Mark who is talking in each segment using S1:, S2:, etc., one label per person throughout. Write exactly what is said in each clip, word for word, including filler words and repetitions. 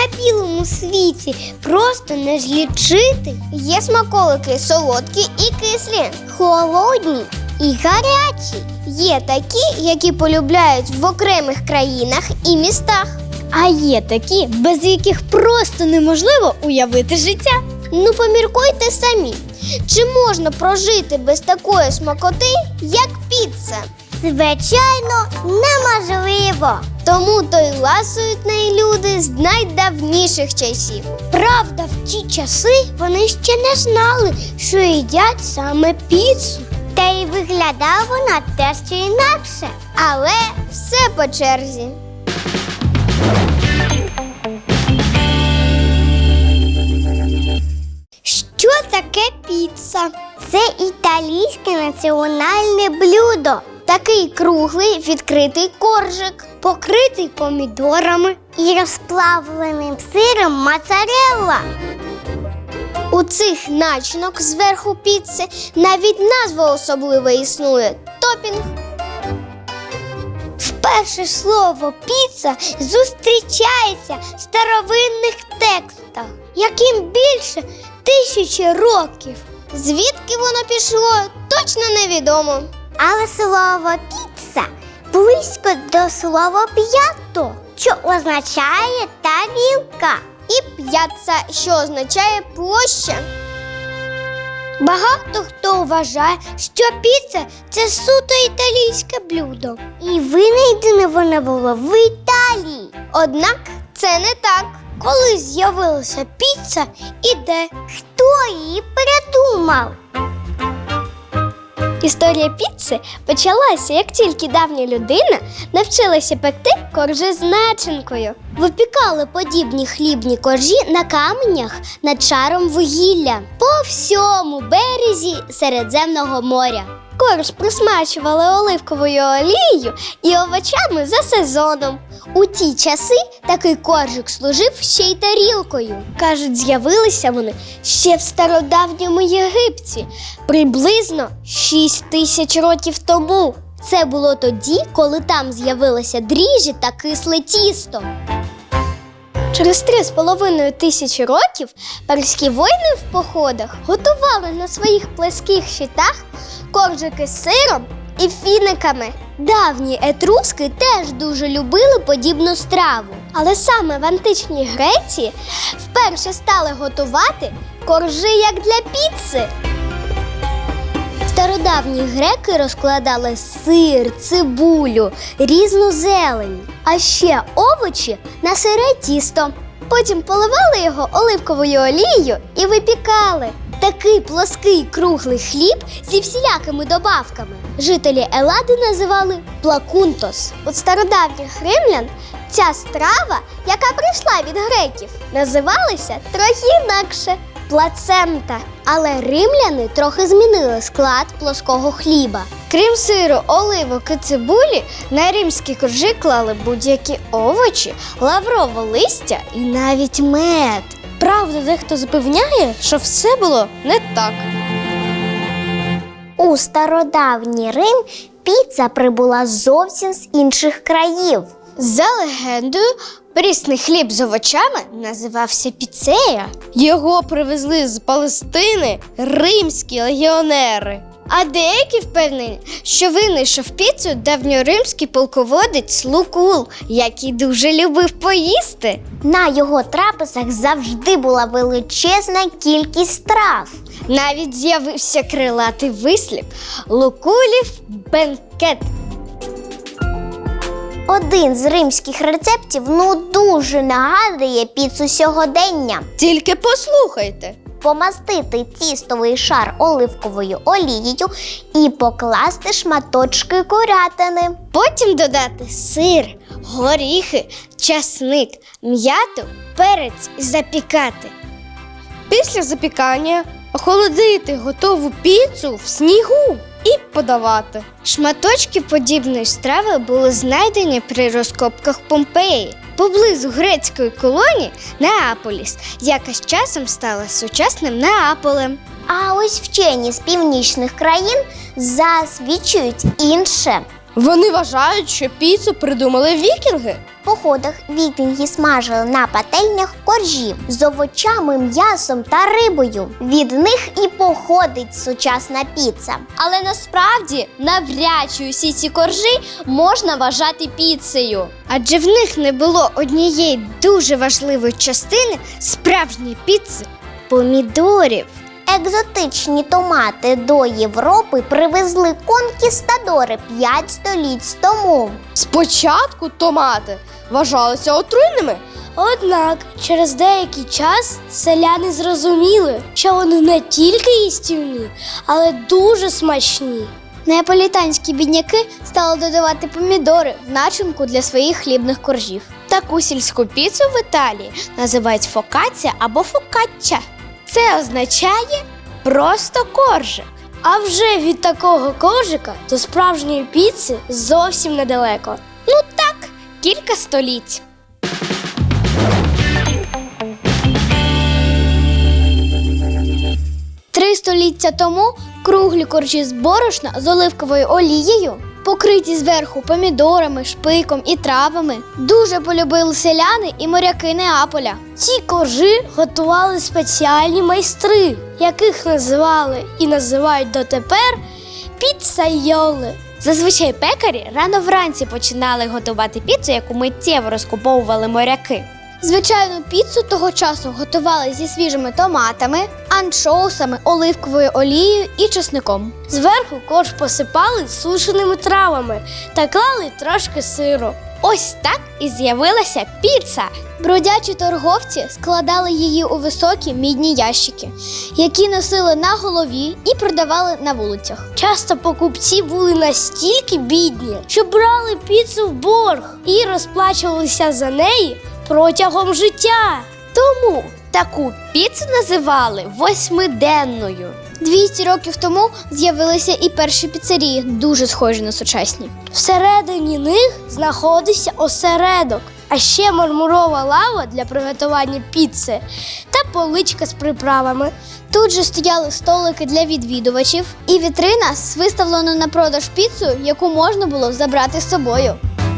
S1: білому світі просто не злічити. Є смаколики солодкі і кислі, холодні і гарячі. Є такі, які полюбляють в окремих країнах і містах. А є такі, без яких просто неможливо уявити життя. Ну поміркуйте самі, чи можна прожити без такої смакоти, як піца? Звичайно, неможливо. Тому то й ласують нею люди з найдавніших часів. Правда, в ті часи вони ще не знали, що їдять саме піцу. Та й виглядала вона дещо інакше. Але все по черзі. Що таке піца? Це італійське національне блюдо. Такий круглий відкритий коржик, покритий помідорами і розплавленим сиром моцарелла. У цих начинок зверху піци навіть назва особлива існує – топінг. Вперше слово «піца» зустрічається в старовинних текстах, яким більше тисячі років. Звідки воно пішло, точно невідомо. Але слово «піца» близько до слова «п'ято», що означає тарілка, і «п'яцца», що означає площа. Багато хто вважає, що піца – це суто італійське блюдо. І винайдене воно було в Італії. Однак це не так. Коли з'явилася піца і де? Хто її придумав? Історія піци почалася, як тільки давня людина навчилася пекти коржі з начинкою. Випікали подібні хлібні коржі на каменях над шаром вугілля по всьому березі Середземного моря. Корж присмачували оливковою олією і овочами за сезоном. У ті часи такий коржик служив ще й тарілкою. Кажуть, з'явилися вони ще в стародавньому Єгипті, приблизно шість тисяч років тому. Це було тоді, коли там з'явилися дріжджі та кисле тісто. Через три з половиною тисячі років перські воїни в походах готували на своїх плеских щитах коржики з сиром і фіниками. Давні етруски теж дуже любили подібну страву. Але саме в античній Греції вперше стали готувати коржі як для піци. Стародавні греки розкладали сир, цибулю, різну зелень, а ще овочі на сире тісто. Потім поливали його оливковою олією і випікали. Такий плоский круглий хліб зі всілякими добавками жителі Елади називали плакунтос. У стародавніх римлян ця страва, яка прийшла від греків, називалася трохи інакше – плацента. Але римляни трохи змінили склад плоского хліба. Крім сиру, оливок і цибулі, на римські коржі клали будь-які овочі, лаврове листя і навіть мед. Правда, дехто запевняє, що все було не так. У стародавній Рим піца прибула зовсім з інших країв. За легендою, прісний хліб з овочами називався піцея. Його привезли з Палестини римські легіонери. А деякі впевнені, що винайшов піцу давньоримський полководець Лукул, який дуже любив поїсти. На його трапезах завжди була величезна кількість страв. Навіть з'явився крилатий вислів «Лукулів бенкет». Один з римських рецептів ну дуже нагадує піцу сьогодення. Тільки послухайте. Помастити тістовий шар оливковою олією і покласти шматочки курятини. Потім додати сир, горіхи, часник, м'яту, перець і запікати. Після запікання охолодити готову піцу в снігу і подавати. Шматочки подібної страви були знайдені при розкопках Помпеї, поблизу грецької колонії Неаполіс, яка з часом стала сучасним Неаполем. А ось вчені з північних країн засвідчують інше.
S2: Вони вважають, що піцу придумали вікінги.
S1: В походах вікінги смажили на пательнях коржі з овочами, м'ясом та рибою. Від них і походить сучасна піца. Але насправді навряд чи усі ці коржі можна вважати піцею. Адже в них не було однієї дуже важливої частини справжньої піци – помідорів. Екзотичні томати до Європи привезли конкістадори п'ять століть тому.
S2: Спочатку томати вважалися отруйними.
S1: Однак через деякий час селяни зрозуміли, що вони не тільки їстівні, але дуже смачні. Неаполітанські бідняки стали додавати помідори в начинку для своїх хлібних коржів.
S3: Таку сільську піцу в Італії називають фокація або фокачча. Це означає просто коржик.
S1: А вже від такого коржика до справжньої піци зовсім недалеко.
S3: Ну так, кілька століть.
S1: Три століття тому круглі коржі з борошна з оливковою олією, покриті зверху помідорами, шпиком і травами, дуже полюбили селяни і моряки Неаполя. Ці коржі готували спеціальні майстри, яких називали і називають дотепер піцайоли.
S3: Зазвичай пекарі рано вранці починали готувати піцу, яку миттєво розкуповували моряки.
S1: Звичайну піцу того часу готували зі свіжими томатами, анчоусами, оливковою олією і чесником. Зверху корж посипали сушеними травами та клали трошки сиру.
S3: Ось так і з'явилася піца.
S1: Бродячі торговці складали її у високі мідні ящики, які носили на голові і продавали на вулицях. Часто покупці були настільки бідні, що брали піцу в борг і розплачувалися за неї протягом життя.
S3: Тому таку піцу називали восьмиденною.
S1: двісті років тому з'явилися і перші піцерії, дуже схожі на сучасні. Всередині них знаходився осередок, а ще мармурова лава для приготування піци та поличка з приправами. Тут же стояли столики для відвідувачів і вітрина з виставленою на продаж піцею, яку можна було забрати з собою.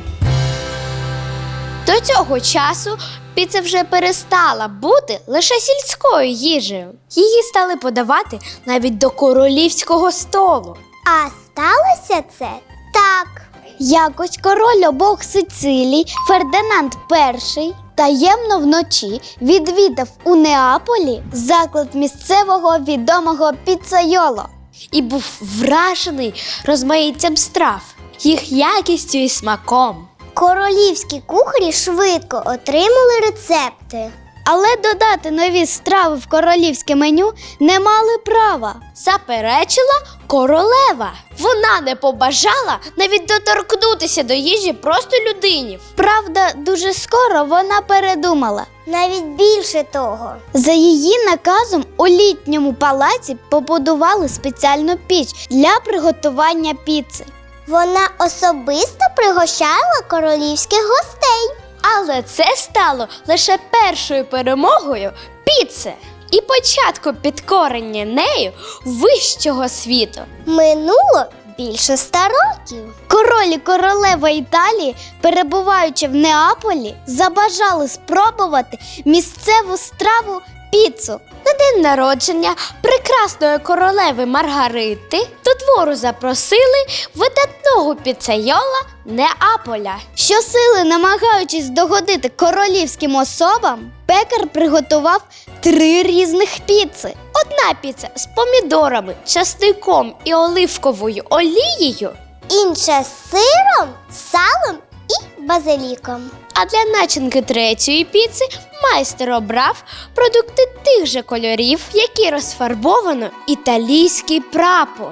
S3: До цього часу піца вже перестала бути лише сільською їжею. Її стали подавати навіть до королівського столу.
S1: А сталося це так. Якось король обох Сицилій Фердинанд І таємно вночі відвідав у Неаполі заклад місцевого відомого піцайоло.
S3: І був вражений розмаїттям страв, їх якістю і смаком.
S1: Королівські кухарі швидко отримали рецепти. Але додати нові страви в королівське меню не мали права.
S3: Заперечила королева. Вона не побажала навіть доторкнутися до їжі просто людині.
S1: Правда, дуже скоро вона передумала. Навіть більше того. За її наказом у літньому палаці побудували спеціальну піч для приготування піци. Вона особисто пригощала королівських гостей.
S3: Але це стало лише першою перемогою піци і початком підкорення нею вищого світу.
S1: Минуло більше ста років. Король і королева Італії, перебуваючи в Неаполі, забажали спробувати місцеву страву піцу.
S3: На день народження прекрасної королеви Маргарити до двору запросили видатного піцайола Неаполя.
S1: Щосили, намагаючись догодити королівським особам, пекар приготував три різних піци.
S3: Одна піца з помідорами, часником і оливковою олією,
S1: Інша з сиром, салом і базиліком.
S3: а для начинки третьої піци майстер обрав продукти тих же кольорів, які розфарбовано італійський прапор.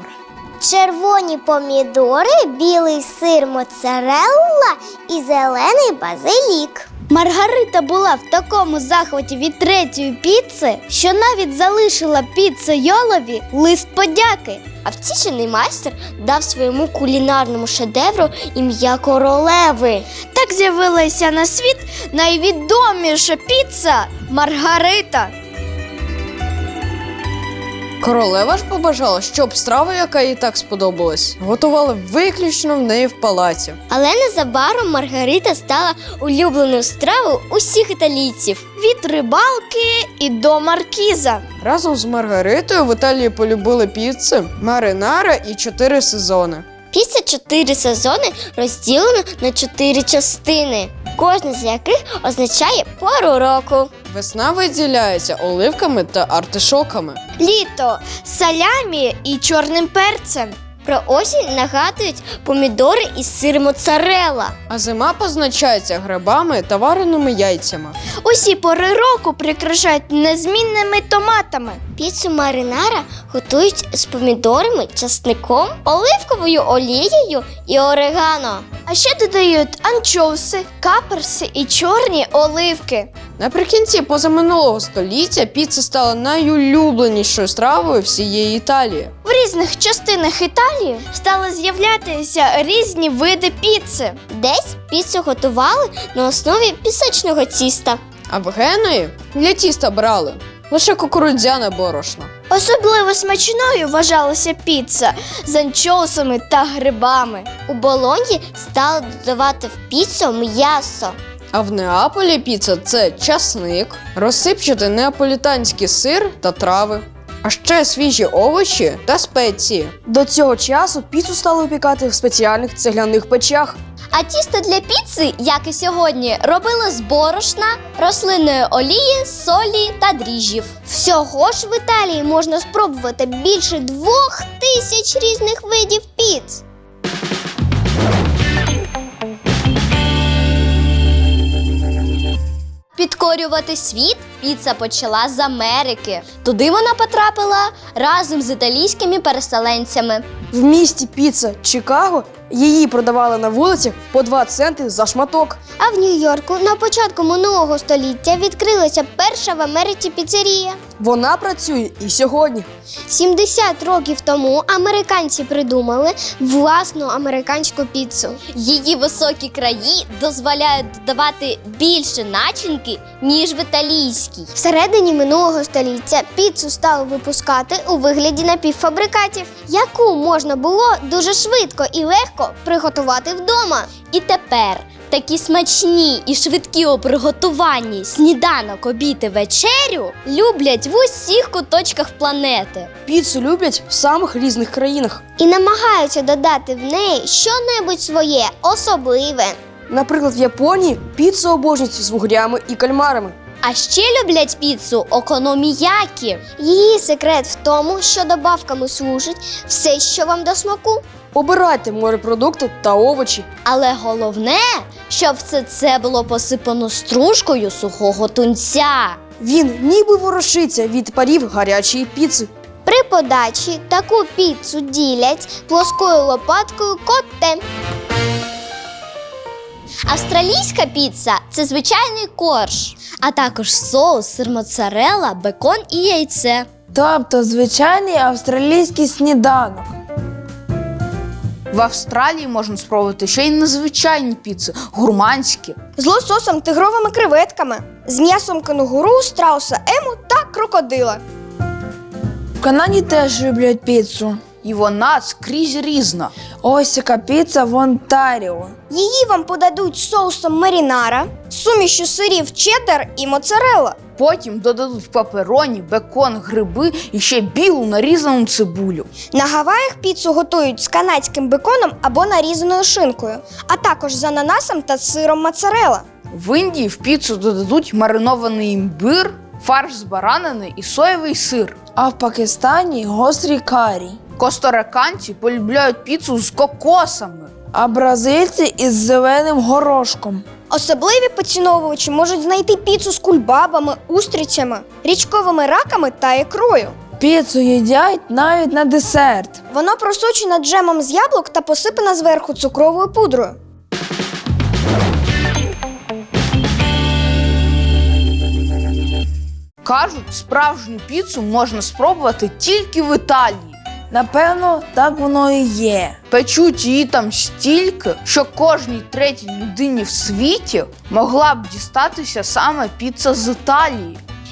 S1: Червоні помідори, білий сир моцарелла і зелений базилік. Маргарита була в такому захваті від третьої піци, що навіть залишила піцайолові лист подяки.
S3: А втішений майстер дав своєму кулінарному шедевру ім'я королеви.
S1: Так з'явилася на світ найвідоміша піца Маргарита.
S4: Королева ж побажала, щоб страву, яка їй так сподобалась, готували виключно в неї в палаці.
S1: Але незабаром Маргарита стала улюбленою стравою усіх італійців.
S3: Від рибалки і до маркіза.
S4: Разом з Маргаритою в Італії полюбили піци, маринара і чотири сезони.
S1: Після чотири сезони розділено на чотири частини, кожна з яких означає пору року.
S4: Весна виділяється оливками та артишоками.
S3: Літо салямі і чорним перцем.
S1: Про осінь нагадують помідори і сир моцарелла.
S4: А зима позначається грибами та вареними яйцями.
S3: Усі пори року прикрашають незмінними томатами.
S1: Піцу маринара готують з помідорами, часником, оливковою олією і орегано.
S3: А ще додають анчоуси, каперси і чорні оливки.
S4: Наприкінці позаминулого століття піца стала найулюбленішою стравою всієї Італії.
S3: В різних частинах Італії стали з'являтися різні види піци.
S1: Десь піцу готували на основі пісочного тіста.
S4: А в Генуї для тіста брали лише кукурудзяне борошно.
S3: Особливо смачною вважалася піца з анчоусами та грибами.
S1: У Болоньї стали додавати в піцу м'ясо.
S4: А в Неаполі піца – це часник, розсипчатий неаполітанський сир та трави, а ще свіжі овочі та спеції.
S5: До цього часу піцу стали випікати в спеціальних цегляних печах.
S1: А тісто для піци, як і сьогодні, робили з борошна, рослинної олії, солі та дріжджів. Всього ж в Італії можна спробувати більше двох тисяч різних видів піц. Підкорювати світ піца почала з Америки. Туди вона потрапила разом з італійськими переселенцями.
S5: В місті піца Чикаго її продавали на вулицях по два центи за шматок.
S1: А в Нью-Йорку на початку минулого століття відкрилася перша в Америці піцерія.
S5: Вона працює і сьогодні.
S1: сімдесят років тому американці придумали власну американську піцу. Її високі краї дозволяють додавати більше начинки, ніж в італійській. Всередині минулого століття піцу стали випускати у вигляді напівфабрикатів, яку можна було дуже швидко і легко приготувати вдома. І тепер такі смачні і швидкі у приготуванні сніданок, обід і вечерю люблять в усіх куточках планети.
S5: Піцу люблять в самих різних країнах.
S1: І намагаються додати в неї щонебудь своє, особливе.
S5: Наприклад, в Японії піцу обожнюють з вугрями і кальмарами.
S1: А ще люблять піцу окономіякі. Її секрет в тому, що добавками служить все, що вам до смаку.
S5: Обирайте морепродукти та овочі.
S1: Але головне, щоб все це було посипано стружкою сухого тунця.
S5: Він ніби ворушиться від парів гарячої піци.
S1: При подачі таку піцу ділять плоскою лопаткою котте. Австралійська піца – це звичайний корж, а також соус, сир моцарелла, бекон і яйце.
S6: Тобто звичайний австралійський сніданок.
S7: В Австралії можна спробувати ще й незвичайні піци, гурманські.
S2: З лососом, тигровими креветками, з м'ясом кенгуру, страуса ему та крокодила.
S6: В Канаді теж люблять піцу.
S7: І вона скрізь різна.
S6: Ось яка піца в Онтаріо.
S2: Її вам подадуть з соусом марінара, сумішю сирів чеддер і моцарелла.
S7: Потім додадуть папероні, бекон, гриби і ще білу нарізану цибулю.
S2: На Гаваях піцу готують з канадським беконом або нарізаною шинкою, а також з ананасом та сиром моцарелла.
S7: В Індії в піцу додадуть маринований імбир, фарш з баранини і соєвий сир.
S6: А в Пакистані гострий карі.
S7: Косториканці полюбляють піцу з кокосами.
S6: А бразильці із зеленим горошком.
S2: Особливі поціновувачі можуть знайти піцу з кульбабами, устрицями, річковими раками та ікрою.
S6: Піцу їдять навіть на десерт.
S2: Вона просочена джемом з яблук та посипана зверху цукровою пудрою.
S7: Кажуть, справжню піцу можна спробувати тільки в Італії.
S6: Напевно, так воно і є.
S7: Печуть її там стільки, що кожній третій людині в світі могла б дістатися саме піца з Італії.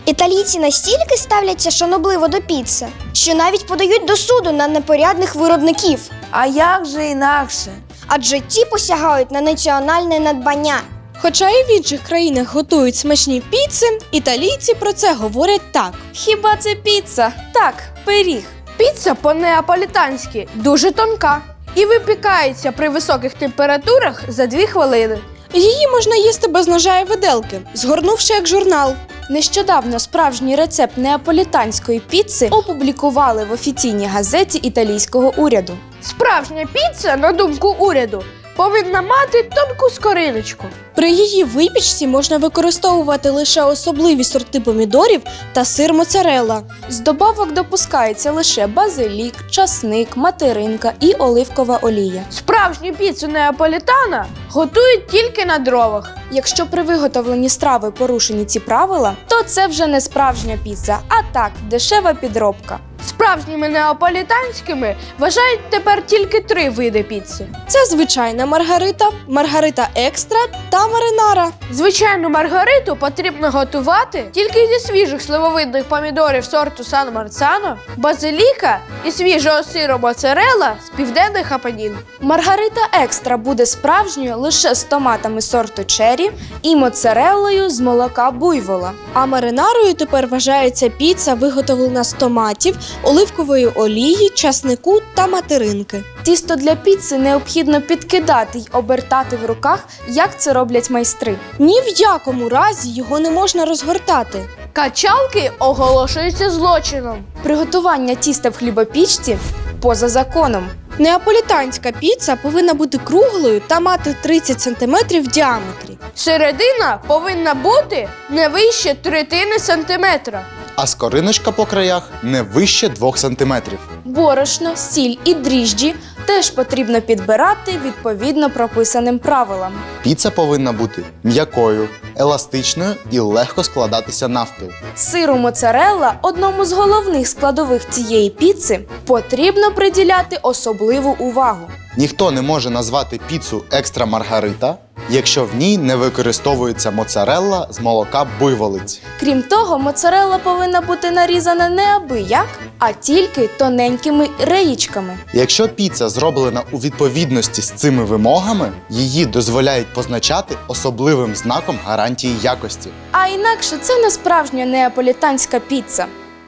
S2: Італійці настільки ставляться шанобливо до піци, що навіть подають до суду на непорядних виробників.
S6: А як же інакше?
S2: Адже ті посягають на національне надбання.
S8: Хоча і в інших країнах готують смачні піци, італійці про це говорять так.
S5: Хіба це піца? Так, пиріг. Піца по-неаполітанськи дуже тонка і випікається при високих температурах за дві хвилини.
S8: Її можна їсти без ножа і виделки, згорнувши як журнал.
S5: Нещодавно справжній рецепт неаполітанської піци опублікували в офіційній газеті італійського уряду. Справжня піца, на думку уряду, повинна мати тонку скориночку.
S8: При її випічці можна використовувати лише особливі сорти помідорів та сир моцарелла.
S5: З добавок допускається лише базилік, часник, материнка і оливкова олія. Справжню піцу неаполітана готують тільки на дровах. Якщо при виготовленні страви порушені ці правила, то це вже не справжня піца, а так, дешева підробка. Справжніми неаполітанськими вважають тепер тільки три види піци.
S8: Це звичайна маргарита, маргарита екстра та маринара.
S5: Звичайну маргариту потрібно готувати тільки зі свіжих сливовидних помідорів сорту Сан Марцано, базиліка і свіжого сиру моцарелла з південних Апенін. Маргарита екстра буде справжньою лише з томатами сорту черрі і моцареллою з молока буйвола.
S8: А маринарою тепер вважається піца, виготовлена з томатів, оливкової олії, часнику та материнки.
S5: Тісто для піци необхідно підкидати й обертати в руках, як це роблять майстри.
S8: Ні в якому разі його не можна розгортати.
S5: Качалки оголошуються злочином. Приготування тіста в хлібопічці поза законом.
S8: Неаполітанська піца повинна бути круглою та мати тридцять сантиметрів в діаметрі.
S5: Середина повинна бути не вище третини сантиметра.
S9: А скориночка по краях не вище двох сантиметрів.
S5: Борошно, сіль і дріжджі теж потрібно підбирати відповідно прописаним правилам.
S9: Піца повинна бути м'якою, еластичною і легко складатися навпіл.
S5: Сиру моцарелла, одному з головних складових цієї піци, потрібно приділяти особливу увагу.
S9: Ніхто не може назвати піцу екстра маргарита, якщо в ній не використовується моцарелла з молока буйволиць.
S5: Крім того, моцарелла повинна бути нарізана не абияк, а тільки тоненькими реїчками.
S9: Якщо піца зроблена у відповідності з цими вимогами, її дозволяють позначати особливим знаком гарантії якості.
S5: А інакше це не справжня неаполітанська піца.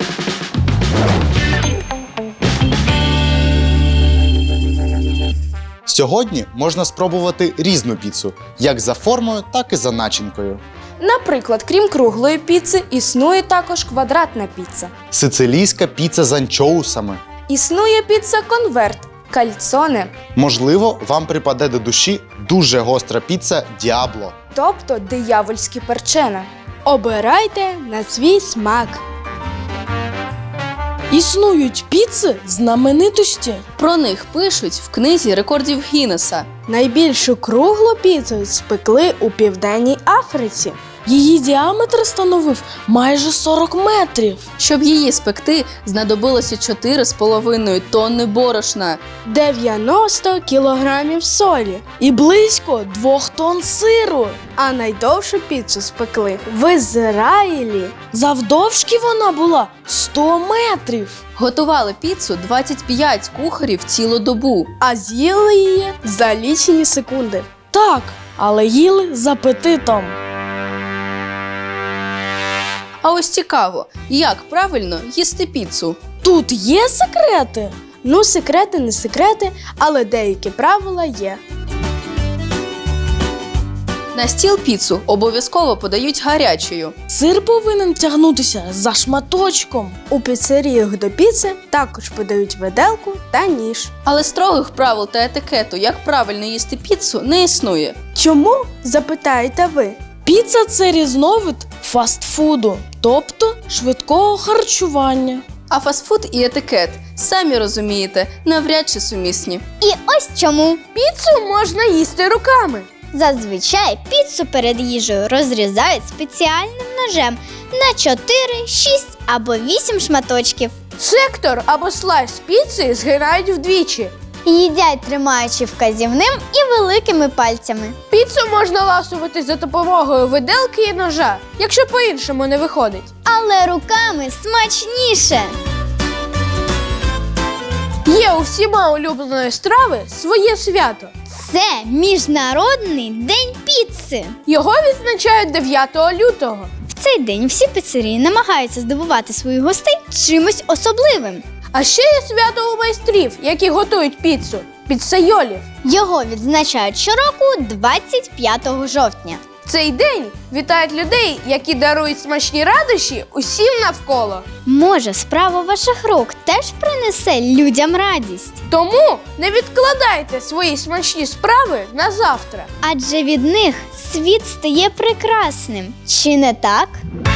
S9: Сьогодні можна спробувати різну піцу, як за формою, так і за начинкою.
S5: Наприклад, крім круглої піци, існує також квадратна піца.
S9: Сицилійська піца з анчоусами.
S5: Існує піца-конверт, кальцоне,
S9: Можливо, вам припаде до душі дуже гостра піца Діабло.
S5: тобто диявольські перчена.
S8: Обирайте на свій смак. Існують піци знаменитості.
S10: Про них пишуть в книзі рекордів Гіннеса.
S8: Найбільшу круглу піцу спекли у Південній Африці. Її діаметр становив майже сорок метрів.
S10: Щоб її спекти, знадобилося чотири з половиною тонни борошна.
S8: дев'яносто кілограмів солі і близько двох тонн сиру. А найдовшу піцу спекли в Ізраїлі. Завдовжки вона була сто метрів.
S10: Готували піцу двадцять п'ять кухарів цілу добу.
S8: А з'їли її за лічені секунди. Так, але їли з апетитом.
S10: А ось цікаво, як правильно їсти піцу?
S8: Тут є секрети? Ну, секрети не секрети, але деякі правила є.
S10: На стіл піцу обов'язково подають гарячою.
S8: Сир повинен тягнутися за шматочком. У піцеріях до піци також подають виделку та ніж.
S10: Але строгих правил та етикету, як правильно їсти піцу, не існує.
S8: Чому? Запитаєте ви. Піца – це різновид фастфуду, тобто швидкого харчування.
S10: А фастфуд і етикет, самі розумієте, навряд чи сумісні.
S1: І ось чому.
S5: Піцу можна їсти руками.
S1: Зазвичай піцу перед їжею розрізають спеціальним ножем на чотири, шість або вісім шматочків.
S5: Сектор або слайс піци згинають вдвічі.
S3: Їдять, тримаючи вказівним і великими пальцями.
S5: Піцу можна ласувати за допомогою виделки і ножа, якщо по-іншому не виходить.
S3: Але руками смачніше.
S5: Є у всіма улюбленої страви своє свято.
S3: Це Міжнародний день піци.
S5: Його відзначають дев'ятого лютого.
S3: В цей день всі піцерії намагаються здивувати своїх гостей чимось особливим.
S5: А ще є свято у майстрів, які готують піцу – піцайолів.
S3: Його відзначають щороку двадцять п'ятого жовтня.
S5: В цей день вітають людей, які дарують смачні радощі усім навколо.
S3: Може, справа ваших рук теж принесе людям радість?
S5: Тому не відкладайте свої смачні справи на завтра.
S3: Адже від них світ стає прекрасним. Чи не так?